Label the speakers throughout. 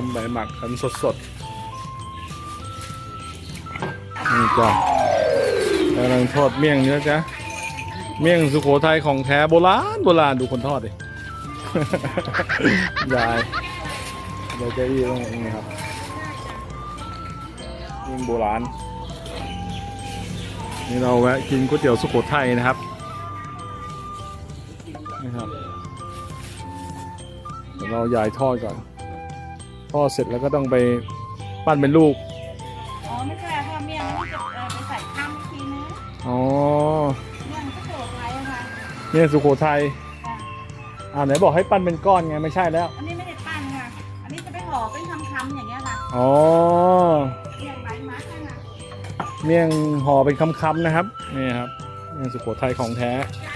Speaker 1: มใบหมักกันสดๆนี่จ้ะกำลังทอดเมี่ยงเนื้อจ้ะเมี่ยงสุโขทัยของแท้โบราณโบราณดูคนทอดดิ ยายเก้าอี้ตรงนี้ครับเมี่ยงโบราณนี่เราแวะกินก๋วยเตี๋ยวสุโขทัยนะครับนี่ครับเดี๋ยวเรายายทอดก่อนทอดเสร็จแล้วก็ต้องไปปั้นเป็นลูก
Speaker 2: อ๋อไม่ใช่ค่ะเมี่ยงมันจะไปใส่ข้ามอีกทีนึง
Speaker 1: อ๋อ
Speaker 2: เมี่ยงก็สุโขทัยอะค่ะ
Speaker 1: เมี่ยงสุโขทัยไหนบอกให้ปั้นเป็นก้อนไงไม่ใช่แล้ว
Speaker 2: อันนี้ไม่ได้ปั้นค่ะอันนี้จะไปห่อเป็นคำๆอย่างเงี้ยค่ะ
Speaker 1: อ๋อ
Speaker 2: เมี่ยงใบมัดค่ะ
Speaker 1: เมี่ยงห่อเป็นคำๆนะครับนี่ครับเมี่ยงสุโขทัยของแท้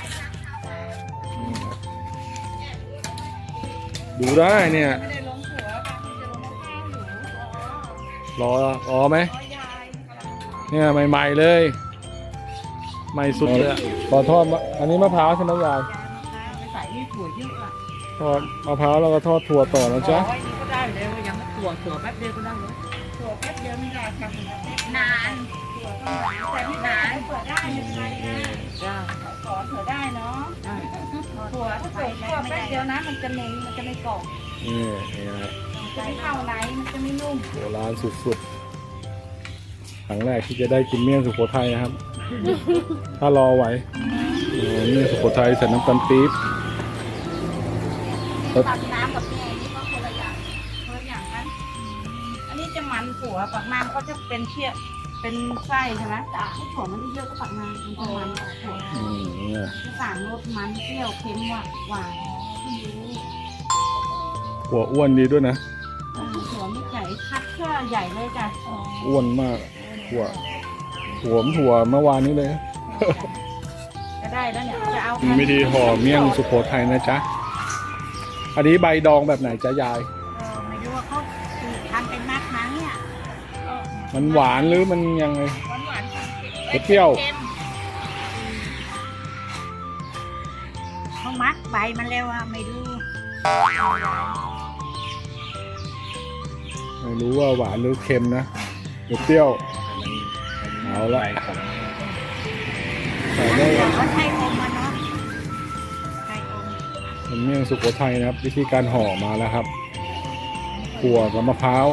Speaker 1: ดูได้เนี่ย
Speaker 2: ไม่ได้ลงหัวค่ะจะลงข้าวอยู่
Speaker 1: รอไหมเนี่ยใหม่ๆเลยใหม่สุดเลยขอทอดอันนี้มะพร้าวใช่ไหมยาย
Speaker 2: ไปใส่นี่ถั่วเยอะอ่ะ
Speaker 1: ทอดมะพร้าวแล้วก็ทอดถั่วต่อนะจ๊ะ
Speaker 2: ไว้นี่ก็ได้เลยว่ายังไม่ถั่วแป๊บเดียวก็ได้เลยถั่วแป๊บเดียวไม่ได้ค่ะนานถั่วต้องแต่ไม่นานเปิดได้ไม่เป็นไรนะสอนเผื่อได้เนาะถั่วถ้าเกิดถั่วแป๊บเดียวนะมันจะเน้นมันจะไม่กรอบ
Speaker 1: นี่นะ
Speaker 2: จะไม่เข้าไหนมันจะไม่นุ่ม
Speaker 1: โบราณสุดๆครั้งแรกที่จะได้กินเมี่ยงสุโขทัยนะครับ ถ้ารอไหวเมี่ยงสุโขทัยใส่น้ำตาลปี๊บ
Speaker 2: ตักน้ำกับเมี่ยงนี่ก็คนละอย่างนั้นอันนี้จะมันถั่วปักน้ำก็จะเป็นเชี่ยเป็นไส้ใช่ไหมแต่ถ้าถั่วมันเยอะก็ปักน้ำมันจะมันถั่วที่สามรสมันเปรี้ยวเค็มหวาน
Speaker 1: หัวอ้วนดีด้วยนะ
Speaker 2: ถั่วไม่ใหญ่คัดแค่ใหญ่เลยจ้ะ
Speaker 1: อ้วนมากถั่วเมื่อวานนี้เลย
Speaker 2: จะได้แล้วเนี่ยจะเอา
Speaker 1: วิธีห่อเมี่ยงสุโขทัยนะจ๊ะอันนี้ใบดองแบบไหนจ๊ะยาย
Speaker 2: ไม่รู้ว่าเขาทำเป็นมัดมั้งเนี่ย
Speaker 1: มันหวานหรือมันยังไง
Speaker 2: หวาน
Speaker 1: เปรี้ยว
Speaker 2: เขามัดใบมันแล้วอะไม่รู้
Speaker 1: ว่าหวานหรือเค็มนะเปรี้ยวเอาละใส่ได้
Speaker 2: เขาใช้อมมาเนาะใช้อม
Speaker 1: เป็นเมี่ยงสุโขทัยนะครับวิธีการห่อมาแล้วครับถั่วกับมะพร้าว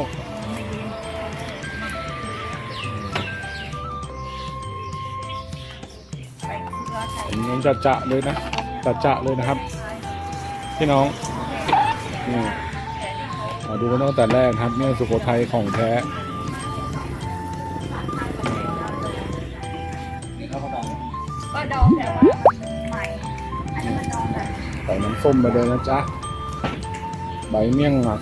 Speaker 1: มันจะเลยนะจะเลยนะครับพี่น้องนี่มาดูกันตั้งแต่แรกครับเมี่ยงสุโขทัยของแท้
Speaker 2: ก็ดองแต่ว่าใหม่อันนี้มันดองแบบ
Speaker 1: ใส่น้ำส้มไปเลยนะจ๊ะใบเมี่ยงหมัก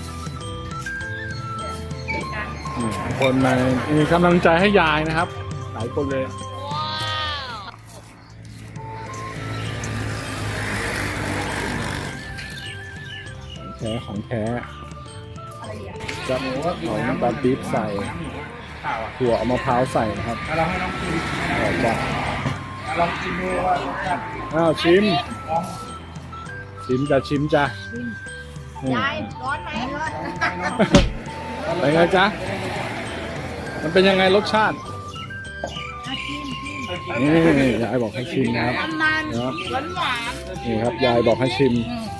Speaker 1: คนมามีกำลังใจให้ยายนะครับหลายคนเลยของแท้จะเอาน้ำตาลปี๊บใส่ถั่วเอามะพร้าวใส่นะครับเราให้ลองชิมจ้ะลองชิมดูว่าชิมจ้ะ
Speaker 2: ยายร้อนไหม
Speaker 1: เป็นไงจ๊ะมันเป็นยังไงรสชาตินี่ยายบอกให้ชิมนะครับนี่ครับยายบอกให้ชิม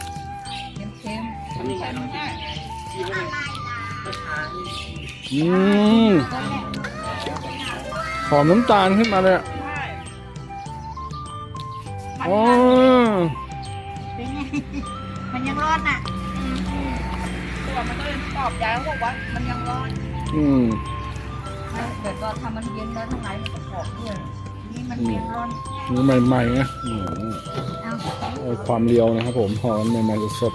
Speaker 1: หอมน้ำตาลขึ้นมาเลยอ๋อ
Speaker 2: มันยังร้อนอ่ะตัวมันก็เลยตอบยายเขาบอกว่ามันยังร้อนเดี๋ยวก็ทำมันเย็นแล้วทั้งหลายมันจะกรอบด้วยนี่มันเย็นร้อน
Speaker 1: นี่ใหม่ๆนะความเรียวนะครับผมหอมใหม่ๆสด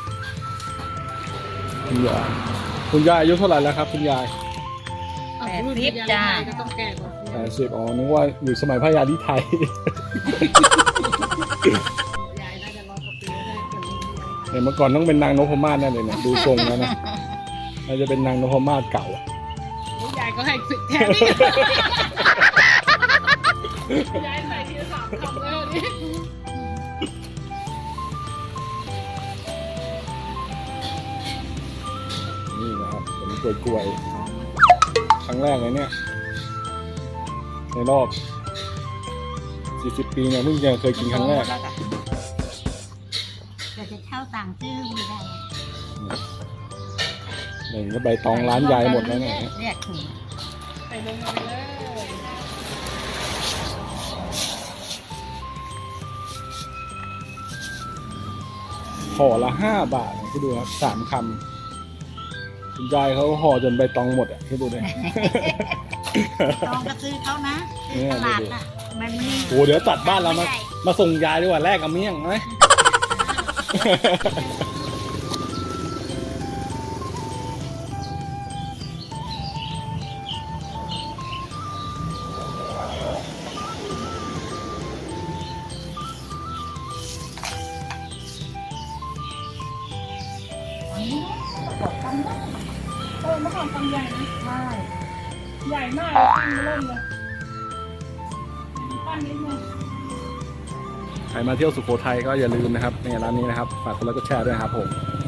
Speaker 1: คุณยายอายุเท่าไหร่แล้วครับคุณยาย
Speaker 2: 80จ้า
Speaker 1: 80อ๋อนึกว่าอยู่สมัยพระยาธิไทยเมื่อก่อนต้องเป็นนางนพมาศแน่เลยเนี่ยดูทรงแล้วนะน่าจะเป็นนางนพมาศเก่
Speaker 2: ายายก็ให้ฝึกแทนยายใส่ทีละ3 คำเลย
Speaker 1: นี่นะครับกล้วยๆครั้งแรกเลยเนี่ยในรอบ40 ปีเนี่ยเพิ่งจะเคยกินครั้งแรก
Speaker 2: เราจะเช่าต่างชื่อไม่ได้
Speaker 1: หนึ่งก็ใบตองร้านยายหมดแล้วเนี่ย
Speaker 2: เรียกถุงไปลงมาเลย
Speaker 1: ห่อละ5 บาทคิดดูครับ3 คำคุณยายเขาห่อจนใบตองหมดอ่ะคิดดูเลย
Speaker 2: ตองก็ซื้อเขานะซื้อตลาดน่ะมันมี
Speaker 1: โอ้เดี๋ยวตัดบ้านเรามาส่งยายดีกว่าแลกกับเมี่ยงไหม
Speaker 2: บอกทำได้เมื่อก่อนทำใหญ่นะใช่ใหญ่มากตั้งเริ่มเลยตั้งนิดนึง
Speaker 1: ใครมาเที่ยวสุโขทัยก็อย่าลืมนะครับเนี่ยร้านนี้นะครับฝากกดไลค์กดแชร์ด้วยนะครับผม